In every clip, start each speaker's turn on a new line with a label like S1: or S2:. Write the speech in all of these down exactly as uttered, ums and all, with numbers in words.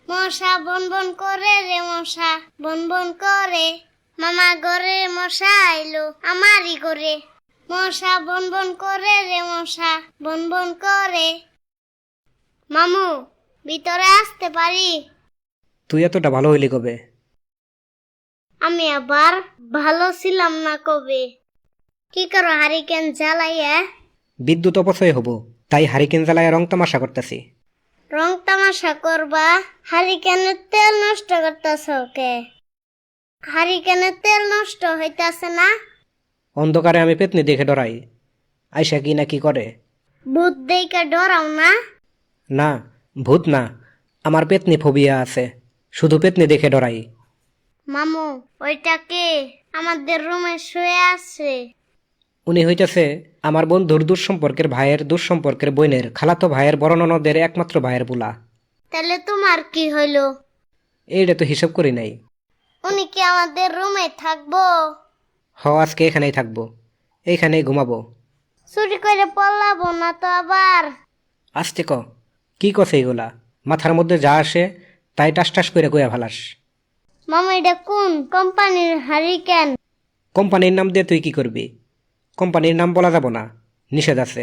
S1: মশা বন বন করে রে মশা বন বন করে, মামা ঘরে মশা আইলো আমারই করে। মশা বন বন করে রে মশা বন বন করে। মামু, ভিতরে আসতে পারি?
S2: তুই এতটা ভালো হইলি কবে?
S1: আমি আবার ভালো ছিলাম না কবে। কি করো হারিকেন জ্বালাইয়া?
S2: বিদ্যুৎ অপচয় হব, তাই হারিকেন জ্বালায় রং তামাশা করতেছি।
S1: রং তামাশা করবা? হারিকেনের তেল নষ্ট করতেছ কে? হারিকেনের তেল নষ্ট হইতাছে না?
S2: অন্ধকারে আমি পেতনি দেখে ডরাই। আয়সা কি না কি করে?
S1: ভূত দেইকা ডরাও না?
S2: না, ভূত না, আমার পেতনি ফোবিয়া আছে, শুধু পেতনি দেখে ডরাই।
S1: মামু, ওইটা কে আমাদের রুমে শুয়ে আছে?
S2: উনি হইতেছে আমার বন্ধুর দুঃসম্পর্কের ভাইয়ের দুঃসম্পর্কের বোনের খালাতো ভাইয়ের বড় ননদের একমাত্র ভাইয়ের বুলা।
S1: তাহলে তোমার কি হইলো?
S2: এইটা তো হিসাব করি নাই।
S1: উনি কি আমাদের রুমে থাকবো?
S2: হ, আজকে এখানেই থাকবো, এইখানেই ঘুমাবো।
S1: চুরি করে পলাবো না তো আবার?
S2: আসতে ক, কি কছে এগুলা? মাথার মধ্যে যা আসে তাই টাস টাস করে কইয়া ভালাস।
S1: মামা, এটা কোন কোম্পানির হারিকেন?
S2: কোম্পানির নাম দিয়ে তুই কি করবি? কোম্পানির নাম বলা যাব না, নিষেধ আছে।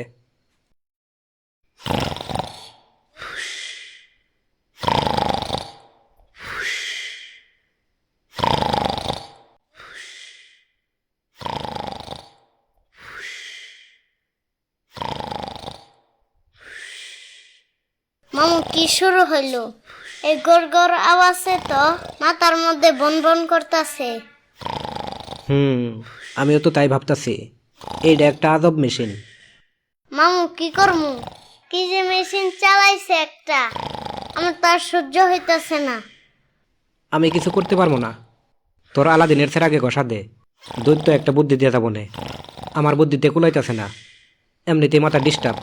S1: মামু, কি শুরু হইলো? এই গড় গড় আওয়াজে তো মাথার মধ্যে বন বন করতেছে।
S2: হুম, আমিও তো তাই ভাবতাছি। এইটা একটা আজব মেশিন।
S1: মামু, কি করমু? কি যে মেশিন চালাইছে একটা, আমার তো আর সহ্য হইতাছে না।
S2: আমি কিছু করতে পারবো না, তোর আলাদিনের ছেড়ে আগে ঘষা দে। দৈত্য একটা বুদ্ধি দিয়ে যাবো নে, আমার বুদ্ধিতে কুলাইতেছে না, এমনিতেই মাথা ডিস্টার্ব।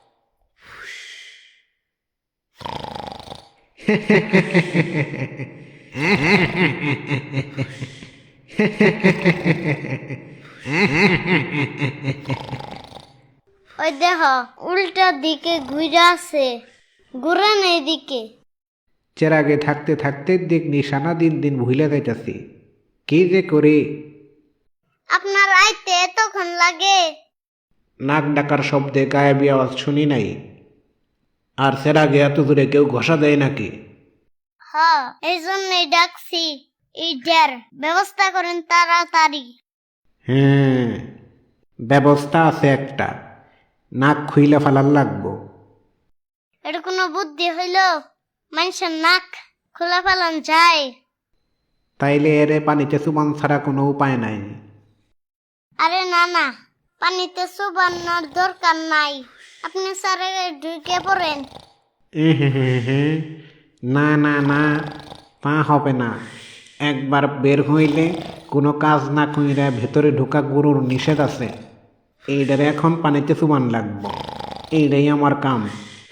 S1: ওই দেখ, উল্টা দিকে ঘুরে আছে, ঘুরে না এদিকে।
S3: চেরাগে থাকতে থাকতে দিক নিশানা দিন দিন ভুলে যাইতাছি। কি যে করি?
S1: আপনার আইতে এতক্ষণ লাগে?
S3: নাক ডাকার শব্দে গায়েবী আওয়াজ শুনি নাই। আর চেরাগে এত দূরে কেউ ঘষা দেয় নাকি?
S1: হ, এই জন্যই ডাকছি। এইটার ব্যবস্থা করেন তাড়াতাড়ি।
S3: হ্যাঁ, ব্যবস্থা আছে একটা, নাক খুইলে ফেলার লাগবো।
S1: এটা কোনো বুদ্ধি হইল? মানুষের নাক খোলা ফেলান যায়?
S3: তাইলে এরে পানিতে চুবান ছাড়া কোনো উপায় নাই।
S1: আরে না না, পানিতে চুবানোর দরকার নাই, আপনি স্যারে ঢুকে পড়েন।
S3: এহেহেহে, না না না, তা হবে না। একবার বের হইলে কোনো কাজ না কইরা ভেতরে ঢোকা গরুর নিষেধ আছে। এইটারে এখন পানিতে চুবান লাগবো, এইটাই আমার কাম।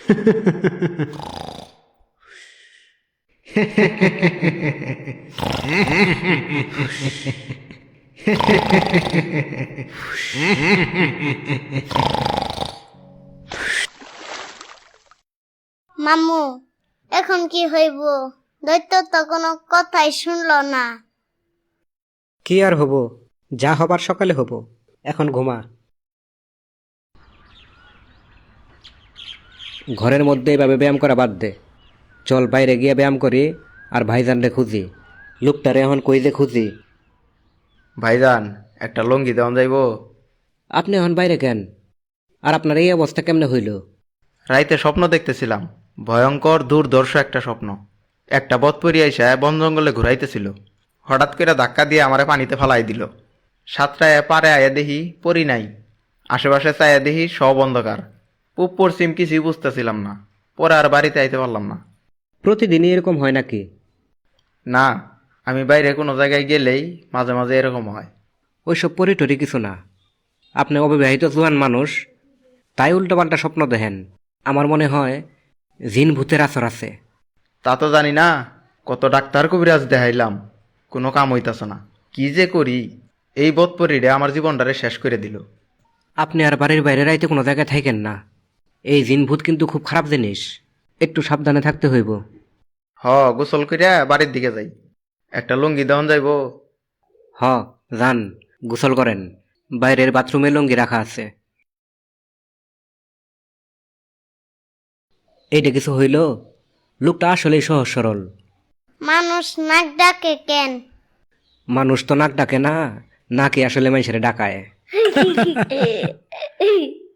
S1: মামু, এখন কি হইব? দৈত্য তো কোনো কথাই শুনলো না।
S2: কি আর হব, যা হবার সকালে হব, এখন ঘুমা। ঘরের মধ্যে এভাবে ব্যায়াম করা বাদ দে, চল বাইরে গিয়ে ব্যায়াম করি আর ভাইজানরে খুঁজি। লোকটারে এখন কই যে খুঁজি।
S4: ভাইজান, একটা লঙ্গি দেওয়া যাইব?
S2: আপনি এখন বাইরে কেন? আর আপনার এই অবস্থা কেমনে হইল?
S4: রাইতে স্বপ্ন দেখতেছিলাম, ভয়ঙ্কর দুর্দর্শ একটা স্বপ্ন। একটা বৎপরি আইসা বন জঙ্গলে ঘুরাইতেছিল, হঠাৎ করে ধাক্কা দিয়ে আমারে পানিতে ফালাই দিল। সাতটায় পারে আয়া দেখি পরি নাই, আশেপাশে চায়া দেখি সব অন্ধকার। পূব পশ্চিম কিছুই বুঝতেছিলাম না, পরে আর বাড়িতে আইতে পারলাম না।
S2: প্রতিদিনই এরকম হয় নাকি?
S4: না, আমি বাইরে কোনো জায়গায় গেলেই মাঝে মাঝে এরকম হয়।
S2: ওইসব পরিটরি কিছু না, আপনি অবিবাহিত জোয়ান মানুষ, তাই উল্টোপাল্টা স্বপ্ন দেখেন। আমার মনে হয় জিন ভূতের আসর আছে।
S4: তা তো জানি না, কত ডাক্তার কবিরাজ দেখাইলাম, কোনো কাম হইতাছে না। কি যে করি, এই বৎপরিরে আমার জীবনটারে শেষ করে দিল।
S2: আপনি আর বাড়ির বাইরে রাইতে কোনো জায়গায় থাকেন না। এই জিন ভূত কিন্তু খুব খারাপ জিনিস, একটু সাবধানে থাকতে হইব।
S4: হ গোসল কইরা বাড়ির দিকে যাই। একটা লুঙ্গি দেওয়ান যাইব।
S2: হ যান, গোসল করেন। বাইরের বাথরুমে লুঙ্গি রাখা আছে। এইটা কিছু হইল? লোকটা আসলেই সহজ সরল।
S1: মানুষ নাক ডাকে কেন?
S2: মানুষ তো নাক ডাকে না, নাকি আসলে মানুষের ডাকায়।